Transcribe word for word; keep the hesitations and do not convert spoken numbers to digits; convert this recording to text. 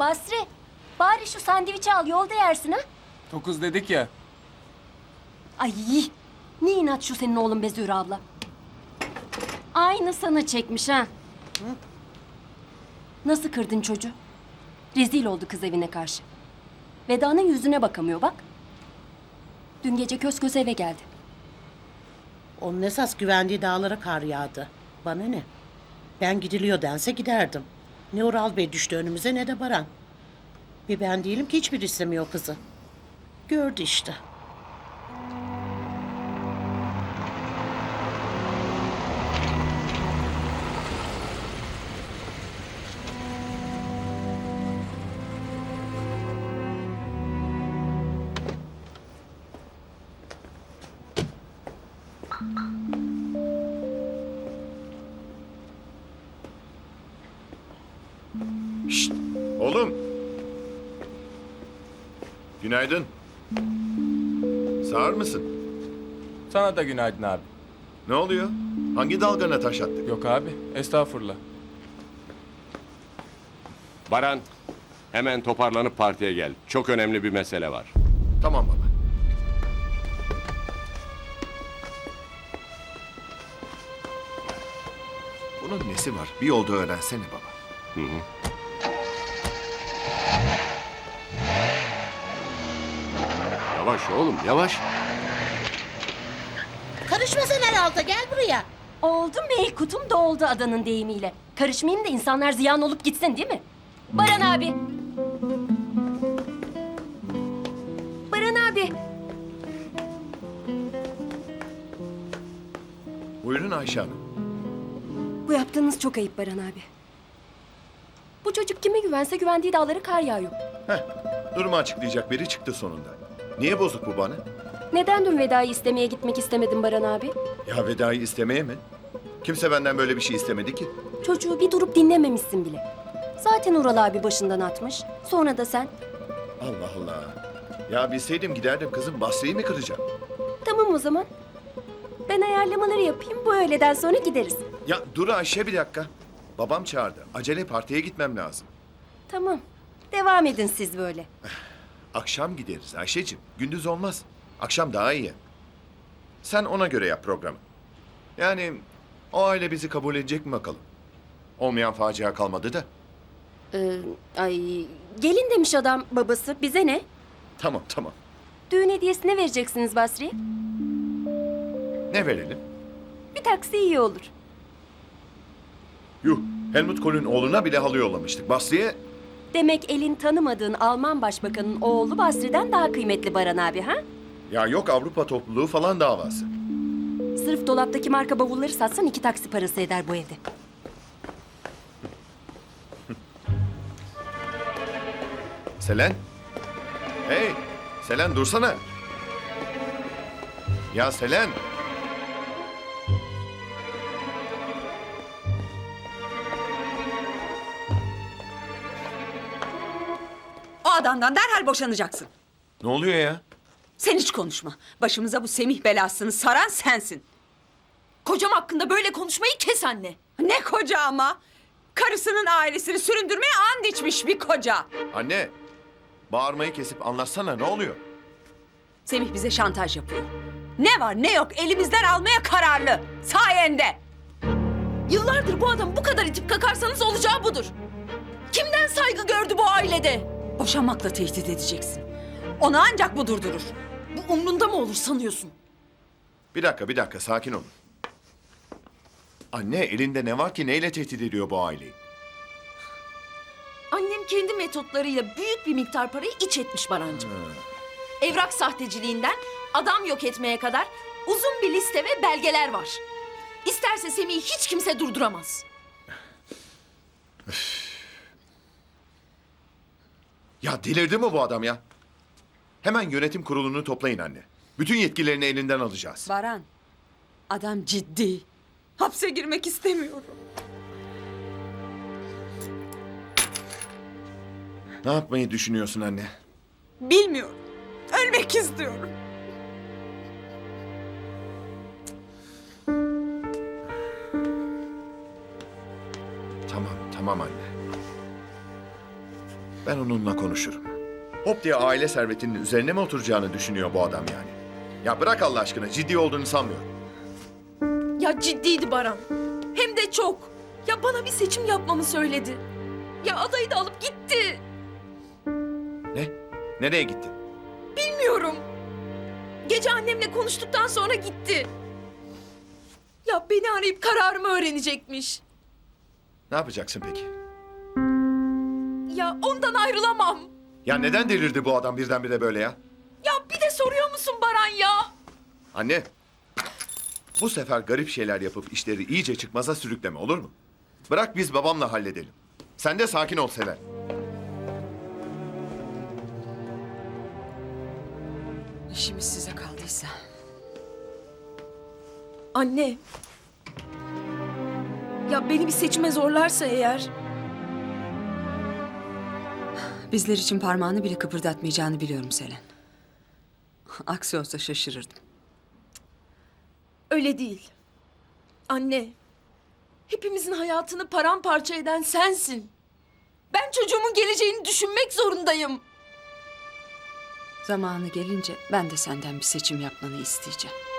Basri, bari şu sandviçi al, yolda yersin ha. Dokuz dedik ya. Ay, ne inat şu senin oğlun be Zühre abla. Aynı sana çekmiş ha. Hı? Nasıl kırdın çocuğu? Rezil oldu kız evine karşı. Veda'nın yüzüne bakamıyor bak. Dün gece köz köz eve geldi. Onun esas güvendiği dağlara kar yağdı. Bana ne? Ben gidiliyor dense giderdim. Ne Ural Bey düştü önümüze ne de Baran. Bir ben değilim ki hiçbir istemiyor kızı. Gördü işte. Şşt, oğlum. Günaydın. Sağır mısın? Sana da günaydın abi. Ne oluyor? Hangi dalgana taş attık? Yok abi, estağfurullah. Baran, hemen toparlanıp partiye gel. Çok önemli bir mesele var. Tamam baba. Bunun nesi var? Bir yolda öğrensene baba. Hı hı. Yavaş oğlum, yavaş. Karışma sen herhalde gel buraya. Oldu mu? Kutum doldu adanın deyimiyle. Karışmayayım da insanlar ziyan olup gitsin değil mi? Baran abi. Baran abi. Buyurun Ayşe Hanım. Bu yaptığınız çok ayıp Baran abi. Bu çocuk kime güvense güvendiği dağlara kar yağıyor. Heh, durumu açıklayacak biri çıktı sonunda. Niye bozuk bu bana? Neden dün Veda'yı istemeye gitmek istemedin Baran abi? Ya Veda'yı istemeye mi? Kimse benden böyle bir şey istemedi ki. Çocuğu bir durup dinlememişsin bile. Zaten Ural abi başından atmış. Sonra da sen. Allah Allah. Ya bilseydim giderdim kızım. Basri'yi mi kıracağım? Tamam o zaman. Ben ayarlamaları yapayım. Bu öğleden sonra gideriz. Ya dur Ayşe bir dakika. Babam çağırdı. Acele partiye gitmem lazım. Tamam. Devam edin siz böyle. Akşam gideriz Ayşe'cim. Gündüz olmaz. Akşam daha iyi. Sen ona göre yap programı. Yani o aile bizi kabul edecek mi bakalım? Olmayan facia kalmadı da. Ee, ay gelin demiş adam babası. Bize ne? Tamam tamam. Düğün hediyesi ne vereceksiniz Basri'ye? Ne verelim? Bir taksi iyi olur. Yuh. Helmut Kohl'ün oğluna bile halı yollamıştık. Basri'ye Demek elin tanımadığın Alman başbakanın oğlu Basri'den daha kıymetli Baran abi ha? ya yok Avrupa topluluğu falan davası. Sırf dolaptaki marka bavulları satsan iki taksi parası eder bu evde. Selen. Hey. Selen dursana. Ya Selen. O adamdan derhal boşanacaksın. Ne oluyor ya? Sen hiç konuşma. Başımıza bu Semih belasını saran sensin. Kocam hakkında böyle konuşmayı kes anne. Ne koca ama. Karısının ailesini süründürmeye and içmiş bir koca. Anne. Bağırmayı kesip anlatsana ne oluyor? Semih bize şantaj yapıyor. Ne var ne yok elimizden almaya kararlı. Sayende. Yıllardır bu adam bu kadar itip kakarsanız olacağı budur. Kimden saygı gördü bu ailede? Boşanmakla tehdit edeceksin. Onu ancak bu durdurur. Bu umrunda mı olur sanıyorsun? Bir dakika bir dakika sakin olun. Anne elinde ne var ki neyle tehdit ediyor bu aileyi? Annem kendi metotlarıyla büyük bir miktar parayı iç etmiş Barancığım. Evrak sahteciliğinden adam yok etmeye kadar uzun bir liste ve belgeler var. İsterse Semih'i hiç kimse durduramaz. Ya delirdi mi bu adam ya? Hemen yönetim kurulunu toplayın anne. Bütün yetkilerini elinden alacağız. Baran, adam ciddi. Hapse girmek istemiyorum. Ne yapmayı düşünüyorsun anne? Bilmiyorum. Ölmek istiyorum. Tamam tamam anne. Ben onunla konuşurum. Hop diye aile servetinin üzerine mi oturacağını düşünüyor bu adam yani? Ya bırak Allah aşkına, ciddi olduğunu sanmıyorum. Ya ciddiydi Baran. Hem de çok. Ya bana bir seçim yapmamı söyledi. Ya adayı da alıp gitti. Ne? Nereye gitti? Bilmiyorum. Gece annemle konuştuktan sonra gitti. Ya beni arayıp kararımı öğrenecekmiş. Ne yapacaksın peki? Ya ondan ayrılamam. Ya neden delirdi bu adam birdenbire böyle ya? Ya bir de soruyor musun Baran ya? Anne, bu sefer garip şeyler yapıp işleri iyice çıkmaza sürükleme, olur mu? Bırak biz babamla halledelim. Sen de sakin ol Sever. İşimiz size kaldıysa. Anne. Ya beni bir seçime zorlarsa eğer... Bizler için parmağını bile kıpırdatmayacağını biliyorum Selen. Aksi olsa şaşırırdım. Öyle değil. Anne. Hepimizin hayatını paramparça eden sensin. Ben çocuğumun geleceğini düşünmek zorundayım. Zamanı gelince ben de senden bir seçim yapmanı isteyeceğim.